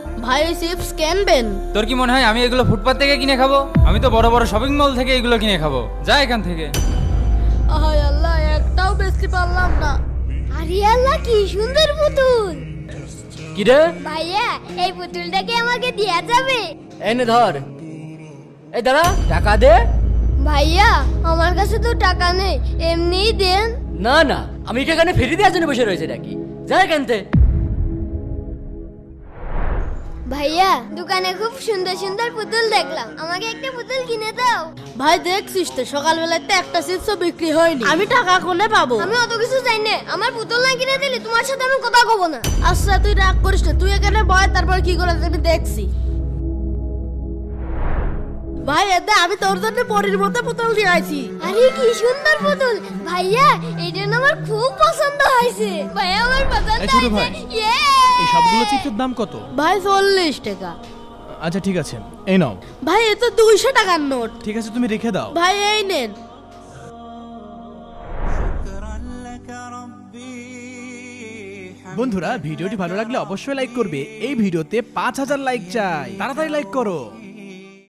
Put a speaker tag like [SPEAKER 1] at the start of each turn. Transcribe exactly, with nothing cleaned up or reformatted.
[SPEAKER 1] ভাই চিপস কিনবেন?
[SPEAKER 2] তোর কি মনে হয় আমি এগুলো ফুটপাত থেকে কিনে খাবো? আমি তো বড় বড় শপিং মল থেকে এগুলো কিনে খাবো। যা এখান থেকে।
[SPEAKER 1] আহায় আল্লাহ, একটাও বেচতে পারলাম না।
[SPEAKER 3] আরে আল্লাহ, কি সুন্দর পুতুল!
[SPEAKER 4] কি রে?
[SPEAKER 3] ভাইয়া, এই পুতুলটাকে আমাকে দেয়া যাবে?
[SPEAKER 4] এনে ধর। এই দাঁড়া, টাকা দে।
[SPEAKER 3] ভাইয়া, আমার কাছে তো টাকা নেই, এমনিই দেন।
[SPEAKER 4] না না, আমি কি এখানে ফেরি দেওয়ার জন্য বসে রয়েছে নাকি? যা এখান থেকে।
[SPEAKER 3] ভাইয়া, দোকানে খুব সুন্দর সুন্দর পুতুল দেখলাম, আমাকে একটা পুতুল কিনে দাও।
[SPEAKER 1] ভাই দেখছিস তো সকালবেলায় তো একটা চিপসও বিক্রি হয়নি, আমি টাকা কোনে পাবো?
[SPEAKER 3] আমি অত কিছু চাই না, আমার পুতুল না কিনে দিলে তোমার সাথে আমি কথা কব না।
[SPEAKER 1] আচ্ছা তুই রাগ করিস না, তুই এখানে বয়, তারপর কি করে আমি দেখছি। ভাই এতে আমি তোর জন্য পরীর মতো পুতুল দিয়ে আইছি।
[SPEAKER 3] আরে কি সুন্দর পুতুল! ভাইয়া, এটা না আমার খুব পছন্দ হয়েছে। ভাইয়া, আমার পছন্দ
[SPEAKER 5] এই ছোট
[SPEAKER 3] হয়েছে।
[SPEAKER 5] ভাই,
[SPEAKER 3] ইয়ে!
[SPEAKER 5] এই সবগুলো চিপসের দাম কত?
[SPEAKER 1] ভাই চল্লিশ টাকা।
[SPEAKER 5] আচ্ছা ঠিক আছে, এই নাও।
[SPEAKER 1] ভাই এ তো দুইশো টাকার নোট।
[SPEAKER 5] ঠিক আছে, তুমি রেখে দাও।
[SPEAKER 1] ভাই এই নেন।
[SPEAKER 5] বন্ধুরা, ভিডিওটি ভালো লাগলে অবশ্যই লাইক করবে। এই ভিডিওতে পাঁচ হাজার লাইক চাই, তাড়াতাড়ি লাইক করো।